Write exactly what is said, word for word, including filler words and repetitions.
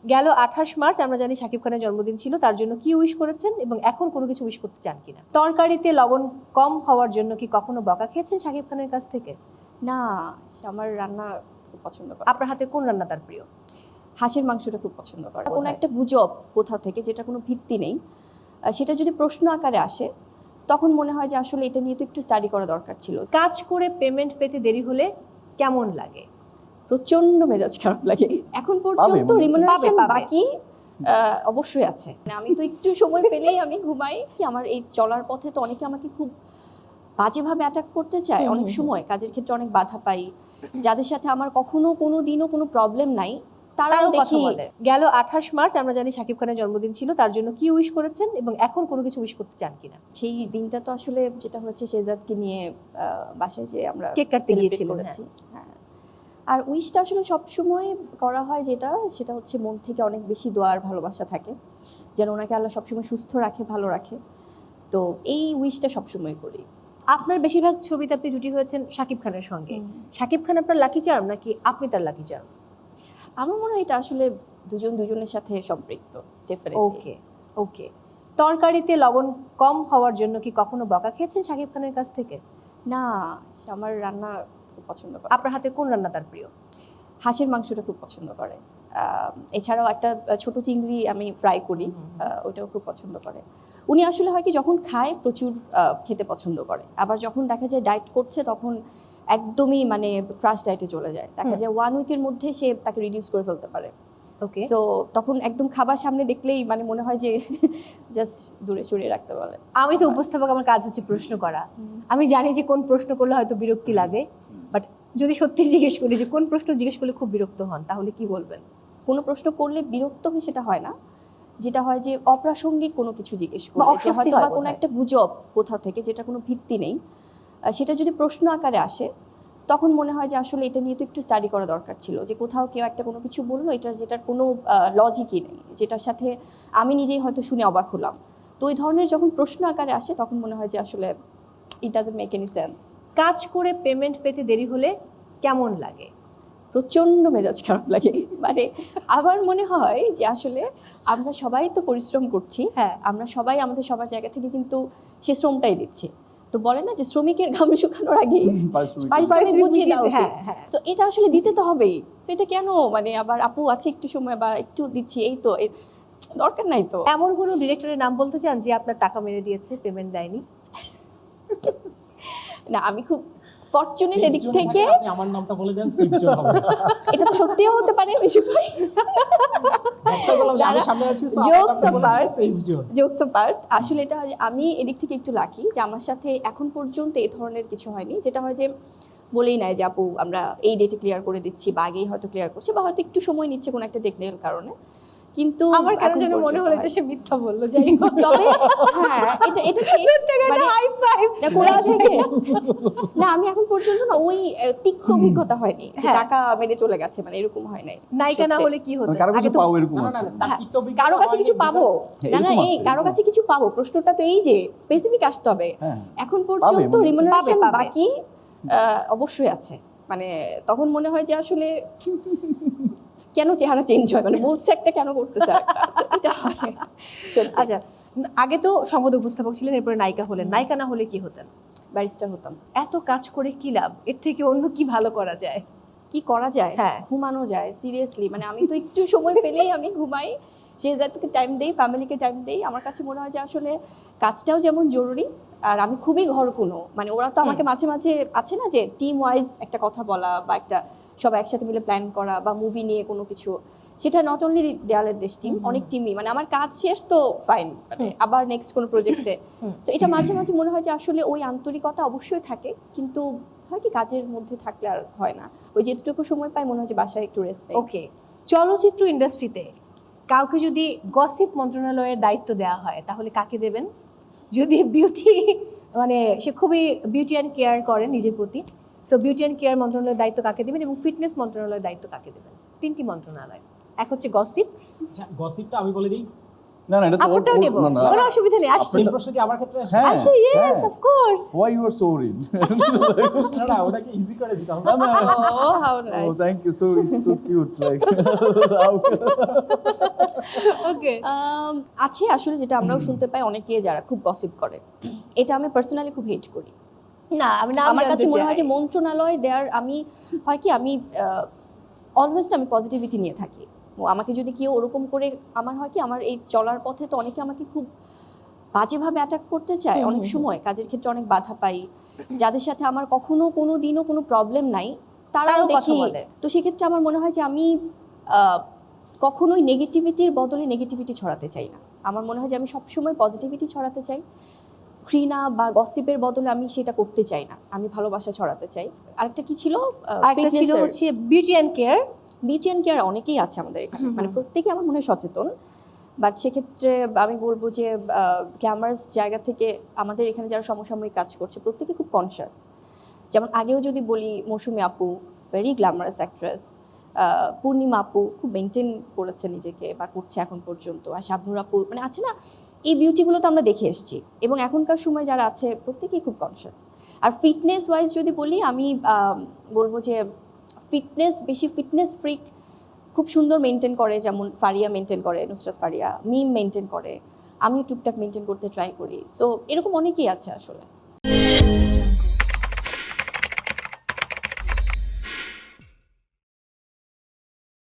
গেল আঠাশ মার্চ আমরা জানি শাকিব খানের জন্মদিন ছিল, তার জন্য কি উইশ করেছেন এবং এখন কোনো কিছু উইশ করতে চান কিনা? তরকারিতে লবণ কম হওয়ার জন্য কি কখনো বকা খেয়েছেন শাকিব খানের কাছ থেকে? না, আমার রান্না খুব পছন্দ করে। আপনার হাতে কোন রান্না তার প্রিয়? হাঁসের মাংসটা খুব পছন্দ করে। কোনো কোথায়? একটা গুজব কোথাও থেকে যেটা কোনো ভিত্তি নেই, আহ, সেটা যদি প্রশ্ন আকারে আসে তখন মনে হয় যে আসলে এটা নিয়ে তো একটু স্টাডি করা দরকার ছিল। কাজ করে পেমেন্ট পেতে দেরি হলে কেমন লাগে? প্রচন্ড মেজাজ খারাপ লাগে। এখন পর্যন্ত পাবে, রিমুনারেশন পাবে। বাকি আহ, অবশ্যই আছে। মানে আমি তো একটু সময় পেলেই আমি ঘুমাই। কি আমার এই চলার পথে তো অনেকে আমাকে খুব বাজেভাবে অ্যাটাক করতে চায়। হুম, অনেক হুম, সময় কাজের ক্ষেত্রে অনেক বাধা পাই, যাদের সাথে আমার কখনো কোনো দিনও কোনো প্রবলেম নাই তারাও তারাও কথা দেখি। বলে। গেল আঠাশ মার্চ আমরা জানি শাকিব খানের জন্মদিন ছিল, তার জন্য কি উইশ করেছেন এবং এখন কোনো কিছু উইশ করতে চান কিনা? সেই দিনটা তো আসলে যেটা হচ্ছে শেহজাদকে নিয়ে আহ, বাসায় যে আমরা কেক কাটতে celebrate গিয়েছিলেন, করেছি। হ্যাঁ, আর উইশটা আসলে সবসময় করা হয় যেটা সেটা হচ্ছে মন থেকে অনেক বেশি দোয়া আর ভালোবাসা থাকে যেন ওনাকে আল্লাহ সবসময় সুস্থ রাখে, ভালো রাখে। তো এই উইশটা সবসময় করি। আপনার বেশিরভাগ ছবিতে আপনি জুটি হয়েছেন শাকিব খানের সঙ্গে। শাকিব খান আপনার লাকি চার্ম নাকি আপনি তার লাকি চার্ম? আমার মনে হয় এটা আসলে দুজন দুজনের সাথে সম্পৃক্ত। ওকে ওকে তরকারিতে লবণ কম হওয়ার জন্য কি কখনো বকা খেয়েছেন শাকিব খানের কাছ থেকে? না, আমার রান্না খুব পছন্দ করে। আপনার হাতে কোন রান্না তার প্রিয়? হাঁসের মাংসটা খুব পছন্দ করে। আহ, এছাড়াও একটা ছোট চিংড়ি আমি ফ্রাই করি, আহ, ওটাও খুব পছন্দ করে। উনি আসলে হয় কি যখন খায় প্রচুর আহ, খেতে পছন্দ করে, আবার যখন দেখা যায় ডায়েট করছে তখন একদমই মানে ক্রাশ ডায়েটে চলে যায়। দেখা যায় ওয়ান উইকের মধ্যে সে তাকে রিডিউস করে ফেলতে পারে। ওকে সো তখন একদম খাবার সামনে দেখলেই মানে মনে হয় যে জাস্ট দূরে সরিয়ে রাখতে বলে। আমি তো উপস্থাপক, আমার কাজ হচ্ছে প্রশ্ন করা। আমি জানি যে কোন প্রশ্ন করলে হয়তো বিরক্তি লাগে, বাট যদি সত্যি জিজ্ঞেস করি যে কোন প্রশ্ন জিজ্ঞেস করলে খুব বিরক্ত হন, তাহলে কি বলবেন? কোনো প্রশ্ন করলে বিরক্ত হয় সেটা হয় না, যেটা হয় যে অপ্রাসঙ্গিক কোনো কিছু জিজ্ঞেস বা করলে, যে অস্বস্তি হয়তো হয় বা কোনো বোধহয়। একটা গুজব কোথাও থেকে যেটা কোনো ভিত্তি নেই, আহ, সেটা যদি প্রশ্ন আকারে আসে তখন মনে হয় যে আসলে এটা নিয়ে তো একটু স্টাডি করা দরকার ছিল। যে কোথাও কেউ একটা কোনো কিছু বললো এটার যেটার কোনো লজিকই নেই, যেটার সাথে আমি নিজেই হয়তো শুনে অবাক হলাম। তো ওই ধরনের যখন প্রশ্ন আকারে আসে তখন মনে হয় যে আসলে it doesn't make any sense. কাজ করে পেমেন্ট পেতে দেরি হলে কেমন লাগে? প্রচণ্ড মেজাজ খারাপ লাগে। মানে আমার মনে হয় যে আসলে আমরা সবাই তো পরিশ্রম করছি, হ্যাঁ। আমরা সবাই আমাদের সবার জায়গা থেকে কিন্তু সে শ্রমটাই দিচ্ছি। তো বলে না যে শ্রমিকের ঘাম শুকানোর আগে পারিশ্রমিক বুঝিয়ে দেওয়া উচিত। হ্যাঁ, হ্যাঁ। তো এটা আসলে দিতে তো হবেই। তো এটা কেন মানে আবার আপু আছে একটু সময় বা একটু দিচ্ছি এই তো, এ- দরকার নাই তো। এমন কোনো ডিরেক্টরের নাম বলতে চান যে আপনার টাকা মেরে দিয়েছে, পেমেন্ট দেয়নি? না, আমি খুব ফরচুনেট Safe এদিক zone এ থেকে। থাকলে আপনি আমার নামটা বলে দেন, সেফ জোন হবে। এটা তো সত্যিও হতে পারে, বেশি করে ব্যবসা করলাম যে আমি সামনে আছি, so আমার Jokes নামটা বলে apart, দেন, safe zone। জোকস অ্যাপার্ট, আসলে এটা আমি এদিক থেকে একটু লাকি যে আমার সাথে এখন পর্যন্ত এই ধরনের কিছু হয়নি, যেটা হয় যে বলেই নাই যে আপু আমরা এই ডেটে ক্লিয়ার করে দিচ্ছি বা আগেই হয়তো ক্লিয়ার করছে বা হয়তো একটু সময় নিচ্ছে কোনো একটা টেকনিক্যাল কারণে। কিন্তু আমার কেন এখন যেন মনে পর্যন্ত হলো এটা হয়। সে মিথ্যা বললো, যাই হোক। তবে হ্যাঁ, এটা এটা ঠিক, মানে হাই ফাইভ। না কোরা থেকে না, আমি এখন পর্যন্ত না ওই আহ, তিক্ত অভিজ্ঞতা হয়নি যে হ্যাঁ। টাকা মেরে চলে গেছে, মানে এরকম হয় নাই। নায়িকা না সত্যি। হলে কি হতো? মানে কারো আগে কিছু তো- পাও এরকম না, না, আছে। না, তার হ্যাঁ, তিক্ত অভিজ্ঞতা কারো কাছে হয়নি কিছু পাবো because- না, না, এরকম এই আছে, কারো এরকম কাছে কিছু পাবো, প্রশ্নটা তো এই যে স্পেসিফিক আসতে হবে। হ্যাঁ। এখন পর্যন্ত পাবে, রিমুনারেশন পাবে, পাবে। বাকি আহ, অবশ্যই আছে। মানে তখন মনে হয় যে আসলে কেন চেহারা চেঞ্জ হয়, মানে বলছে একটা কেন করতেছে একটা, So, এটা হয় সত্যি। আচ্ছা, আগে তো সংবাদ উপস্থাপক ছিলেন, এরপরে নায়িকা হলেন। নায়িকা না হলে কি হতেন? ব্যারিস্টার হতাম। এত কাজ করে কি লাভ? এর থেকে অন্য কি ভালো করা যায়? কি করা যায়? হ্যাঁ। ঘুমানো যায়, সিরিয়াসলি। মানে আমি তো একটু সময় পেলেই আমি ঘুমাই, শেহজাদকে টাইম দেই, ফ্যামিলিকে টাইম দেই। আমার কাছে মনে হয় যে আসলে কাজটাও যেমন জরুরি, আর আমি খুবই ঘরকুনো। মানে ওরা তো আমাকে মাঝে মাঝে আছে না যে টিম ওয়াইজ একটা কথা বলা বা একটা সবাই একসাথে মিলে প্ল্যান করা বা মুভি নিয়ে কোনো কিছু, সেটা নট অনলি দেয়ালের দেশ টিম, অনেক টিমই, মানে আমার কাজ শেষ তো ফাইন, মানে আবার নেক্সট কোনো প্রজেক্টে। তো এটা মাঝে মাঝে মনে হয় যে আসলে ওই আন্তরিকতা অবশ্যই থাকে, কিন্তু হয় কি কাজের মধ্যে থাকলে আর হয় না। ওই যেটুকু সময় পাই মনে হয় যে বাসায় একটু রেস্ট নেই। ওকে, চলচ্চিত্র ইন্ডাস্ট্রিতে কাউকে যদি গসিপ মন্ত্রণালয়ের দায়িত্ব দেওয়া হয় তাহলে কাকে দেবেন? যদি বিউটি মানে সে খুবই বিউটি অ্যান্ড কেয়ার করেন নিজের প্রতি, সো বিউটি অ্যান্ড কেয়ার মন্ত্রণালয়ের দায়িত্ব কাকে দেবেন এবং ফিটনেস মন্ত্রণালয়ের দায়িত্ব কাকে দেবেন? তিনটি মন্ত্রণালয়, এক হচ্ছে গসিপ। আচ্ছা, গসিপটা আমি বলে দিই। না না এটা তো ওর- আপনারটাও ওর- নেব না, না, কোনো অসুবিধা নেই আসছি সেম প্রশ্ন কি আমার ক্ষেত্রে আসবে? হ্যাঁ আসি yes of course why you are so worried না না ওটাকে ইজি করে দিতে হবে। Oh how oh nice thank you so so cute like how- okay Um, আছে আসলে যেটা আমরাও শুনতে পাই অনেকে যারা খুব গসিপ করে, এটা আমি পার্সোনালি খুব হেট করি। না আমি না আমার কাছে মনে হয় যে মন্ত্রণালয় দেয়ার আমি হয় কি আমি অলওয়েজ আমি পজিটিভিটি নিয়ে থাকি। ও আমাকে যদি কেউ ওরকম করে আমার হয় কি আমার এই চলার পথে তো অনেকে আমাকে খুব বাজেভাবে অ্যাটাক করতে চায় হুম, অনেক হুম, সময়, কাজের ক্ষেত্রে অনেক বাধা পাই, যাদের সাথে আমার কখনো কোনো দিনও কোনো প্রবলেম নাই তারাও তারাও কথা দেখি। বলে। তো সেক্ষেত্রে আমার মনে হয় যে আমি আহ, কখনোই নেগেটিভিটির বদলে নেগেটিভিটি ছড়াতে চাই না। আমার মনে হয় যে আমি সবসময় পজিটিভিটি ছড়াতে চাই, ঘৃণা বা গসিপের বদলে আমি সেটা করতে চাই না, আমি ভালোবাসা ছড়াতে চাই। আরেকটা কি ছিল? আরেকটা ছিল হচ্ছে beauty and care. Beauty and care অনেকেই আছে আমাদের এখানে, মানে প্রত্যেকে আমার মনে হয় সচেতন, বাট সেক্ষেত্রে আমি বলবো যে গ্ল্যামারাস জায়গা থেকে আমাদের এখানে যারা সমসাময়িক কাজ করছে প্রত্যেকে খুব কনসিয়াস। যেমন আগেও যদি বলি মৌসুমী আপু ভেরি গ্ল্যামারাস অ্যাক্ট্রেস, পূর্ণিমা আপু খুব মেনটেন করেছে নিজেকে বা করছে এখন পর্যন্ত, আর শাবনুর আপু মানে আছে না, এই বিউটিগুলো তো আমরা দেখে এসেছি এবং এখনকার সময় যারা আছে প্রত্যেকেই খুব কনসিয়াস। আর ফিটনেস ওয়াইজ যদি বলি আমি আহ, বলবো যে ফিটনেস বেশি ফিটনেস ফ্রিক খুব সুন্দর মেনটেন করে, যেমন ফারিয়া মেনটেন করে, নুসরাত ফারিয়া, মিম মেনটেন করে, আমি টুকটাক মেনটেন করতে ট্রাই করি। সো এরকম অনেকেই আছে আসলে।